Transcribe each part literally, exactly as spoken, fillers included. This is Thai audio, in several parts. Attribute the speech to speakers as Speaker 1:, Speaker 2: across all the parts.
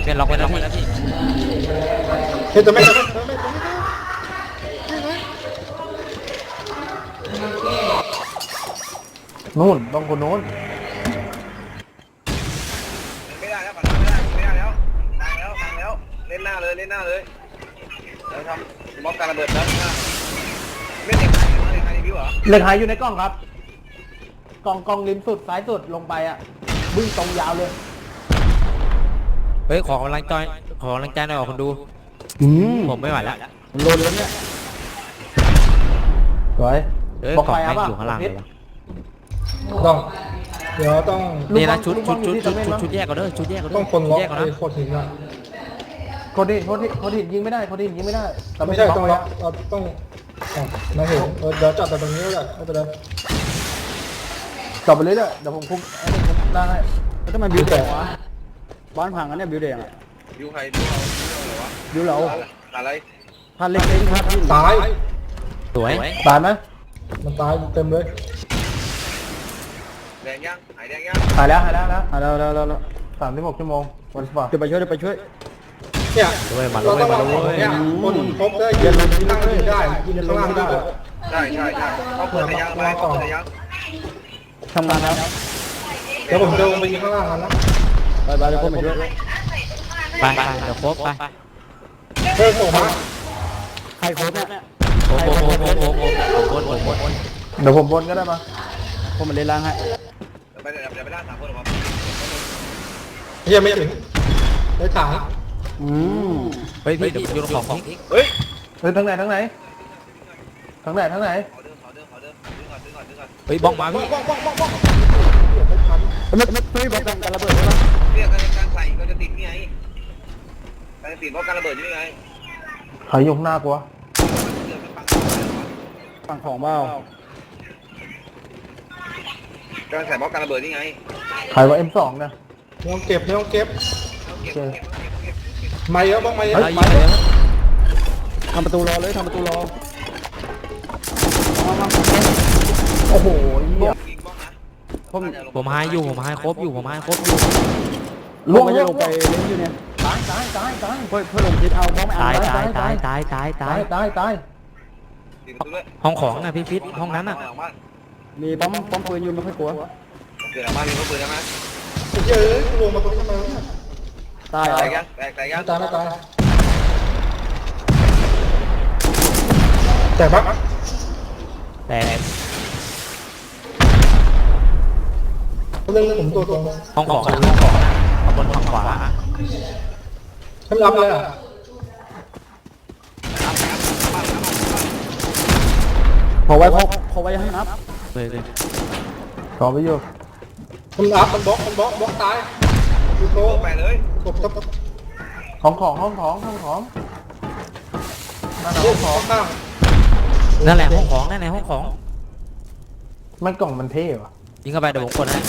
Speaker 1: เปลี่ยนล็อกไปแล้วพี่
Speaker 2: เฮ้ยจะไม่จะไม่
Speaker 3: นู่นต้องคนโน้น
Speaker 4: ไม่ได้แล้วไม่ได้ไม่ได้แล้วมาแล้วมาแล้วเล่นหน้าเลยเล่นหน้าเลยแล้วทำบล็อกการระเบิดแล้วไม่เด็กใครเด็กใครรีวิวเหรอ
Speaker 3: เหล็กหายอยู่ในกล้องครับกล้องกล้องริมสุดซ้ายสุดลงไปอ่ะวิ่งตรงยาวเลย
Speaker 1: เฮ้ยขอกำลังใจขอกำลังใจหน่อยคนดูผมไม่ไหวแล้ว
Speaker 3: โลนแล้วเนี่ยสวย
Speaker 1: เฮ้ยของแม่งอยู่ข้างล่างเลยวะ
Speaker 2: ต้องเดี๋ยวต้อง
Speaker 1: นี่นะชุดชุดชุดชุดชุดชุดแยกก่อนเด้อชุดแยกก่อนเด้อ
Speaker 2: ต้องคนล็อก
Speaker 1: แยกก่อน
Speaker 2: ไอ้
Speaker 1: นะ
Speaker 2: โคตรหินอ่ะ
Speaker 3: โคดิโคดิโคดิยิงไม่ได้โคดิยิงไม่ได้
Speaker 2: ไม่ใช่ต้องล็อกเราต้องมาเห็นเดี๋ยวจับแต่ตรงนี้ก็ได้ไม่เป็นไร
Speaker 3: กลับไปเลยเด้อเดี๋ยวผมคุมไอ้นี่คุมล่างให้
Speaker 5: แล้วทำไมบิวแดงวะบ้านพังอันเนี้ยบิวแดงอ่ะ
Speaker 4: วิวใครวิวเราวิวเราวะ
Speaker 5: บิวเรา
Speaker 4: อะไร
Speaker 5: พันเล็กเล็กพันที่
Speaker 2: ตาย
Speaker 1: สวย
Speaker 3: ตายไหม
Speaker 2: มันตายเต็มเลย
Speaker 4: แดงยังหายแดงยัง
Speaker 3: หายแล้วหายแล้วนะ
Speaker 5: อ่ะแล้วแล้วแล้ว
Speaker 3: สามสิบหกชั่วโมงวันสปอร์ต
Speaker 5: เดี๋ยวไปช่วยเดี๋ยวไปช่วย
Speaker 2: เนี่ย
Speaker 1: ด้วยมัน
Speaker 2: เรา
Speaker 1: ด้ว
Speaker 2: ต้
Speaker 1: ย
Speaker 2: อง
Speaker 1: มัน
Speaker 2: เอา
Speaker 1: ด้วย
Speaker 2: เนี่ยคนครบได้ยืนข้างล่างได้ยืนข้างล่างได้
Speaker 4: ใช่ใช่ใช่เขาเปิดแต่ยังไปเขาเปิดแต่ยัง
Speaker 5: ทำงานแล้ว
Speaker 2: เดี๋ยวผมจะลงไปยืนข้างล่างกันนะ
Speaker 5: ไปไปเดี๋ยวผมไปช่วย
Speaker 1: ไปไปเดี๋ยวครบไป
Speaker 2: เฮ้ยผมมา
Speaker 5: ใครโค้ชเนี่ย
Speaker 1: โอ้โหโอ้โหโอ้โหโอ้โหโอ้โหโอ้โห
Speaker 3: เดี๋ยวผมบนก็ได้มา
Speaker 5: ผมมาเล่นล่างให้
Speaker 4: เดี๋ยวไปเดี๋ยวไปล่าสามคนหรอ
Speaker 2: เฮียไม่ถึงได้ถัง
Speaker 5: อืม
Speaker 1: เฮ้ยพี่เดี๋ยวโยนของของ
Speaker 4: เฮ้ย
Speaker 3: เฮ้ยทั้งไหนทั้งไหนทั้งไหนทั้งไหน
Speaker 4: ขอเดินขอเดินขอเดินดึงก่อนดึงก่อนดึงก่อน
Speaker 1: เฮ้ยบ้องมาพี่
Speaker 2: บ้องบ้องบ้องบ้อง
Speaker 5: ไม่ไม่ไม่บอกกันการระเบิดใช่ไหม
Speaker 4: เรียกการใส่ก็จะติดนี่ไงการติดเพราะการระเบิดนี่ไง
Speaker 3: ใครอยู่ข้างหน้ากวะ
Speaker 5: ฝั่งของเปล่า
Speaker 4: การใส่เพราะการระเบิดนี่ไง
Speaker 3: ใครว่า เอ็ม สอง เนี่ย
Speaker 2: ไม่ต้องเก็บไม่ต้องเก็บ
Speaker 4: เก็บเก็บเก็บเก็บ
Speaker 2: ไม่เยอะบ้างไม่เยอะ
Speaker 1: เฮ้ยยิงไปเลย
Speaker 5: ทำประตูรอเลยทำประตูรอ
Speaker 3: โอ้โหเหี้ย
Speaker 4: ยิงบ้องนะ
Speaker 5: ผม
Speaker 1: ผมให้อยู่ผมให้ครบอยู่ผมให้ครบอยู่
Speaker 5: ลงไปจะลงไปเล่นอยู่เนี่ย
Speaker 3: ตายตายตายตาย
Speaker 5: เพื่อเพื่อลงทิศเอาบ้องไม่
Speaker 1: ตา
Speaker 5: เอา
Speaker 1: ยตายตายตายตายตา
Speaker 3: ตาย ยตายตาย
Speaker 4: ติดประตูด้วย
Speaker 1: ห้องของนะพี่ฟิตห้องนั้นอ่ะ
Speaker 5: มีป้อมป้อมปืนอยู่ไม่ค่อยกลัว
Speaker 4: เกิดอะไรมามีเขาปืนใช่ไหม
Speaker 2: เยอะลงมาตรงนี้ทำไม
Speaker 5: ตายเหรอ
Speaker 4: แตกยังแตกแตกยัง
Speaker 2: ตายไม่ตายแต่ปะ
Speaker 1: แต่
Speaker 2: เรื่องผมตัวตรง
Speaker 1: ห้องของห้องของข้างบนฝั่งขวา
Speaker 2: ฉันรับเลยอ่ะ
Speaker 5: ขอไว้ขอขอไว้ให้นับ
Speaker 1: เลยเลย
Speaker 3: ขอไปอยู่
Speaker 2: มันรับมันบล็อกมันบล็อกบล็อกตายดูโต
Speaker 4: ไปเลย
Speaker 2: กบกบ
Speaker 3: ของของห้องของห้องของนั่นน่ะ
Speaker 2: เรื่
Speaker 3: ห้
Speaker 2: อ
Speaker 3: อง งของ
Speaker 2: ข้าง
Speaker 1: นั่นแหละห้องของนั่นแหละห้องของ
Speaker 3: มันกล่องมันเท่ว่ะ
Speaker 1: ยิงเข้าไปเดี๋ยวผมกดให้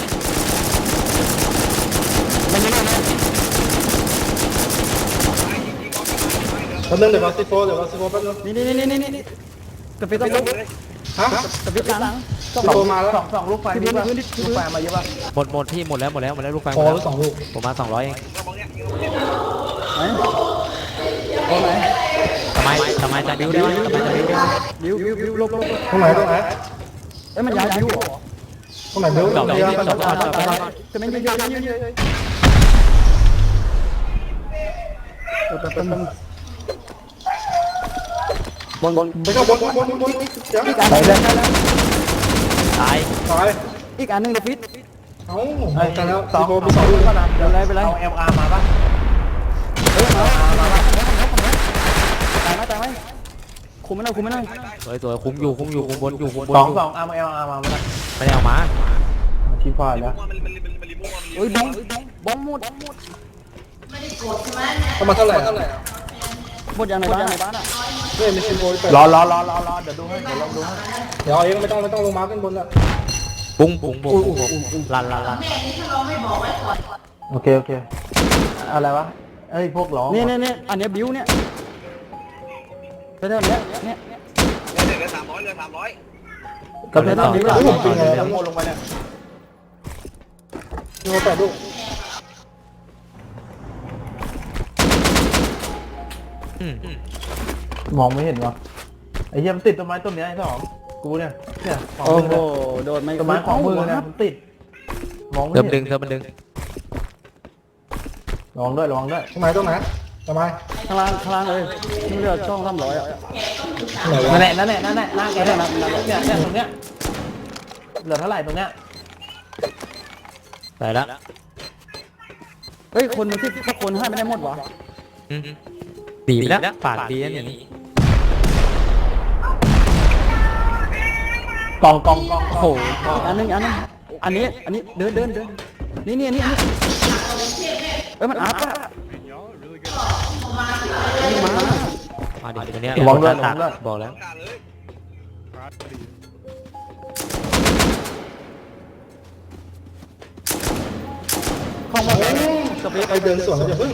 Speaker 5: มันไม่ได้นะ
Speaker 2: แป๊บนึงเดี๋ยววาซิโฟเดี๋ยววาซิโฟแป๊บนึง
Speaker 5: นี่นี่นี่นี่นี่กระพริบต้องลุก
Speaker 2: ฮะ
Speaker 5: กระพริบหลัง
Speaker 2: ซิโฟมาแล้ว
Speaker 3: สองสองลูกไฟมีป่ะลูกไฟมาเยอะป่ะ
Speaker 1: หมดหมดพี่หมดแล้วหมดแล้วหมดแล้วลูกไฟห
Speaker 2: พ
Speaker 1: ม
Speaker 2: อ
Speaker 1: ดแล้ว
Speaker 2: แล้วสองลูก
Speaker 1: ผมมาสองร้อยเอง
Speaker 5: ไหนตรงไหน
Speaker 1: ทำไมทำไมจะบิ้วได้ไหมทำไมจะบิ้วได้ไหม
Speaker 5: บิวบิวบิวลบลบ
Speaker 2: ตรงไหนตรงไหน
Speaker 5: เอ้ยมันย้ายบิวเหรอ
Speaker 2: ตรงไหนเดี๋ยว
Speaker 1: จบ
Speaker 2: เดี๋ยว
Speaker 1: จบจบจบจบ
Speaker 5: จะไม่ยืนยืนยืนยืนบนบน
Speaker 2: ไปเข้าบนบนบนบนเดี๋ยว
Speaker 5: อีกอันนึง
Speaker 1: ตาย
Speaker 2: ตาย
Speaker 5: อีกอันนึงเดี๋ยวฟิต
Speaker 2: เอ้า
Speaker 3: ไอ้
Speaker 2: แต่แล้ว
Speaker 3: สอ
Speaker 2: ซิ
Speaker 3: ง
Speaker 2: โฟ
Speaker 3: ส
Speaker 2: มี
Speaker 3: อง
Speaker 2: สอง
Speaker 3: ลู
Speaker 2: ลู
Speaker 3: ก
Speaker 2: ก
Speaker 3: ก็นะเดี๋ยว
Speaker 5: ไปเลย
Speaker 3: เอา เอ็ม อาร์ มาป่ะ
Speaker 5: เฮ้ยมาตายไหมตายไหมคุมไม่ได้คุมไม่ได้
Speaker 1: สวยสวยคุ้มอยู่คุ้มอยู่คุ้มบนอยู่คุ้มบน
Speaker 3: สอง
Speaker 1: อยู่
Speaker 3: สองเอาเอ็มอาร์มาไม่ได้
Speaker 1: ไม่ได้เอามา
Speaker 3: ชี้ฟ้าแล้ว
Speaker 4: มันมันมันมันรีโมท
Speaker 5: เฮ้ยบ้องบ้องหมด
Speaker 2: เข้ามาเท่าไหร่เท่าไหร่
Speaker 5: หมดยังในบ้านในบ้านอ่ะ
Speaker 2: เฮ้ยมีซิโฟเปิด
Speaker 3: รอรอรอรอรอเดี๋ยวดูให้เดี๋ยวลองดูให้
Speaker 2: เดี๋ยวเองไม่ต้องไม่ต้องลงมาขึ้นบนละ
Speaker 1: ปุ้งปุ้งปุ้งปุ้งปุ้งลันลันลัน
Speaker 3: โอเคโอเคอะไรวะเอ้ยพวกร้อง
Speaker 5: นี่นี่นี่อันนี้บิวเนี่ยไปเท่านี้เนี่ย
Speaker 4: เดือดสามร้อยเดือดสามร้อย
Speaker 3: กับเพื่อนต่อ
Speaker 2: โอ้
Speaker 3: ต่อ
Speaker 2: โห
Speaker 3: ต่อ
Speaker 2: เป็นไง
Speaker 3: เดี๋
Speaker 2: แล้
Speaker 3: ยว วโมลงไปเนี่ย
Speaker 2: ซิโฟแปดลูก
Speaker 1: อืม
Speaker 3: มองไม่เห็นวะไอ้เหี้ยมันติดต้นไม้ต้นเนี้ยไอ้สองกูเนี่ยเนี่ยของ
Speaker 5: โอ้
Speaker 3: มึง
Speaker 5: โห
Speaker 3: เนี่ย
Speaker 5: โดนไม่
Speaker 3: ต้นไม้ของมือเนี่ยมันติดมองไม่
Speaker 1: เติมดึ
Speaker 3: เห็
Speaker 1: ง
Speaker 3: น
Speaker 1: เติมมันดึง
Speaker 3: ระวังด้วยระวังด้วย
Speaker 2: ทำไมต้องนะทำไม
Speaker 5: ข้างล่างข้างล่างเลยนี่เรือช่องสามร้อยอ่ะ
Speaker 2: ไหนวะ
Speaker 3: นั่นแหละนั่นแหละนั่นแหละหน้าแกเนี่ยเนี่ยเนี่ยตรงเนี้ยเหลือเท่าไหร่ตรงเนี้ย
Speaker 1: ใส่ละ
Speaker 5: เฮ้ยคนมันที่ถ้าคนให้ไม่ได้หมดวะ
Speaker 1: อืมดีไปแล้วปากดีนะอย่างนี้
Speaker 3: กองกองกอง
Speaker 1: โอ้โห
Speaker 5: อันนึงอันนึงอันนี้อันนี้เดินเดินเดินนี่นี่อันนี้อันนี้เอ้ยมันอัพอะนี่มา
Speaker 1: มาดิตัวเนี้ย
Speaker 3: ระวังด้วย
Speaker 1: ตั
Speaker 3: ระวังด้วย
Speaker 1: บอกแล้ว
Speaker 4: การเลย
Speaker 5: เข้ามาสเปซ
Speaker 2: ใครเดินสวนเราจะพึ่ง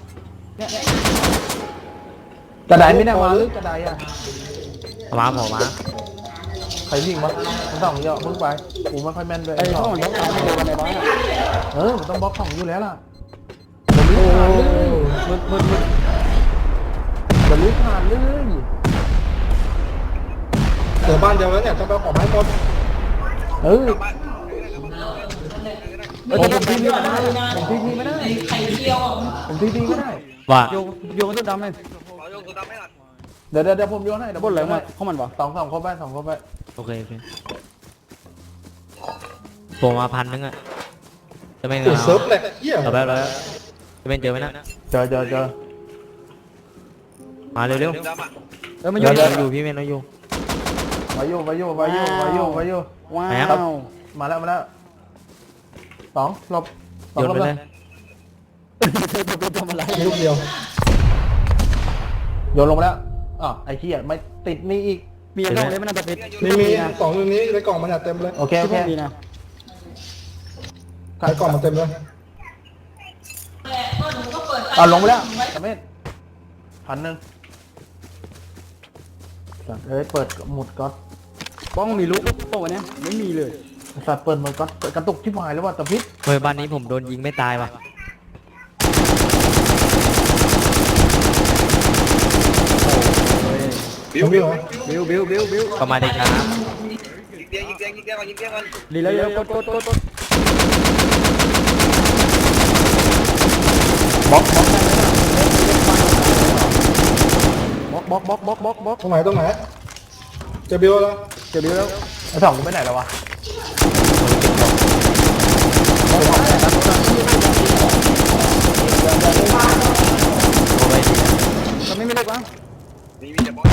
Speaker 3: กระไดไม่ได้มาหรือกระไดอ่ะ
Speaker 1: เอามาผมมา
Speaker 3: ใครวิ่งมามันต้องเยอะมึงไปกูไม่ค่อยแม่นด้วย
Speaker 5: ไอ้ช่องมันต้องการให้เร็วในบ้านอะ
Speaker 3: เออมันต้องบล็อกของอยู่แล้วล่ะ
Speaker 2: โอ้
Speaker 3: มึนมึนมึนมันลุกผ่านเลย
Speaker 2: เหลือบ้านเดียวแล้วเนี่ยต้องไปขอไม้หมด
Speaker 3: เออ
Speaker 4: บ้าน
Speaker 3: เออผมที่นี่ไม่ได้ผมที่นี่ไม่ได้ผมที่นี่ไม่ได้
Speaker 1: ว่า
Speaker 5: โยโยนตัวดำเลย
Speaker 4: ขอโยงตัวดำให้หน่อย
Speaker 3: เดี๋ยวเดี๋ยวเดี๋ยวผมโยนให้เดี๋ยว
Speaker 5: บนอะไร
Speaker 3: ผมโย
Speaker 5: มาเข้ามันวะ
Speaker 3: สองสองครบไปสองครบไป
Speaker 1: โอเคโอเคผมมาพันนึงอ่ะจะไม่เง
Speaker 2: อุด
Speaker 1: า
Speaker 2: เซิร์ฟแหละเหี้ย
Speaker 1: เอาไปแล้วจะเป็นเจอไหมนะ
Speaker 3: เจอเจอเจอ
Speaker 1: มาเร็ว
Speaker 4: เรื่องดำอ่ะ
Speaker 5: เออมัน
Speaker 1: ๆ
Speaker 5: โย
Speaker 1: เดี๋ย
Speaker 5: น
Speaker 1: วอยู่พี่เมนเราอยู่
Speaker 3: วายุวายุวายุวายุวายุ
Speaker 5: ว้า
Speaker 1: ไหนครับ
Speaker 5: ว
Speaker 3: มาแล้วมาแล้วสองหลบสอง
Speaker 1: โยน
Speaker 3: หลบ
Speaker 1: ไป
Speaker 3: เล
Speaker 1: เลย ย
Speaker 5: เธอจะทำอะไร
Speaker 2: ลูกเดียว
Speaker 3: โยนลงมาแล้วอ๋อไอ้เหี้ยไม่ติดนี่อีก
Speaker 5: มีอะไรเลยมันน่าจะเป็น
Speaker 2: มีมีสองตรงนี้ในกล่องมันเนี่ยเต็มเลย
Speaker 3: โอเคโอ
Speaker 5: ที่
Speaker 3: เค
Speaker 5: พวกมีนะ
Speaker 2: ในกล่องมันเต็มเลย
Speaker 3: เอาลงไปแล้วสามเมตรพันหนึ่งเอ้ยเปิดหมุดก๊อต
Speaker 5: ป้องมีลูกโป้วันนี้ไม่มีเลย
Speaker 3: สัตว์เปิดหมุดก๊อตกระตุกที่หายแล้วว่าตะพิษ
Speaker 1: เฮ้ยบ้านนี้ผมโดนยิงไม่ตายว่ะ
Speaker 4: บิวบิว
Speaker 5: บิวบิวบิวบิว
Speaker 1: ก็มาได้ครับ
Speaker 4: ยิงเตียงยิงเตียงยิงเตียงก่อนยิงเตียงก่อน
Speaker 5: ดีแล้วเยอะกดกดกดกด
Speaker 3: บล็อกบล็อกบล็อกบล็อกบล็อกบล็อก
Speaker 2: ตรงไหนตรงไหนเจะบิวแล้ว
Speaker 5: เจะบิวแล้ว
Speaker 3: ไอ้สองกูไปไหนแล้ววะ
Speaker 1: โอ้ไปดีนะ
Speaker 5: มันไม่มีเล็กวะ
Speaker 4: มีมีแต่บอล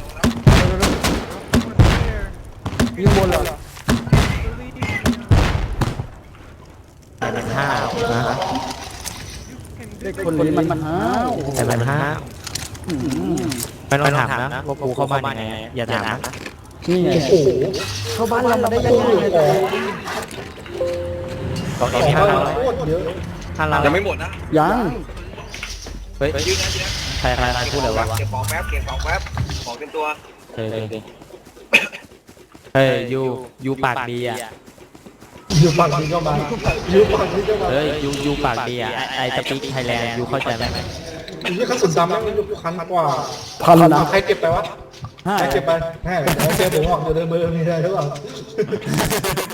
Speaker 5: ยิงบนเหรอ
Speaker 1: แต่มันห้าวนะ
Speaker 5: เด็กคนนี้มันมันห้าว
Speaker 1: แต่มันห้าวไม่ต้องถามนะว่ากูเข้าบ้านยังไงอย่าถามนะ
Speaker 5: นี่ไง
Speaker 2: โอ้โห
Speaker 5: เข้าบ้านเรามาได้ยัง
Speaker 2: ตู้
Speaker 5: ไง
Speaker 2: ของ
Speaker 1: กล่อง
Speaker 2: ของ
Speaker 1: นี้
Speaker 2: บ้า
Speaker 1: ห้าน
Speaker 2: เรา
Speaker 1: ร้อย
Speaker 2: โคตรเยอะ
Speaker 1: ห้าร้อย
Speaker 4: ยังไม่หมดนะ
Speaker 5: ยัง
Speaker 1: เฮ้ย
Speaker 4: ยืนนะยืนนะ
Speaker 1: ใครใครใครพูดเลยวะ
Speaker 4: เก็บของแป๊บเก็บของแป๊บของเต็มตัว
Speaker 1: เฮ้ยเฮ้ยยูยูปากดีอ่ะ
Speaker 2: อยู่ฝั่งนี้ก็มาอยู่ฝั่งนี้ก็มา
Speaker 1: เฮ้ยยูยูปากดีอ่ะไอสปีกไทยแลนด์ยูเข้าใจไหม
Speaker 2: ไอ้ยี่ขั้นสุดดำแม่งมันอยู่คันกว่า
Speaker 5: พันนะ
Speaker 2: ใครเก็บไปวะ
Speaker 5: ห้า
Speaker 2: ใครเก็บไปแม่เดี๋ยวเจอผมออกอยู่ในมือมีอะไรหรือเปล่า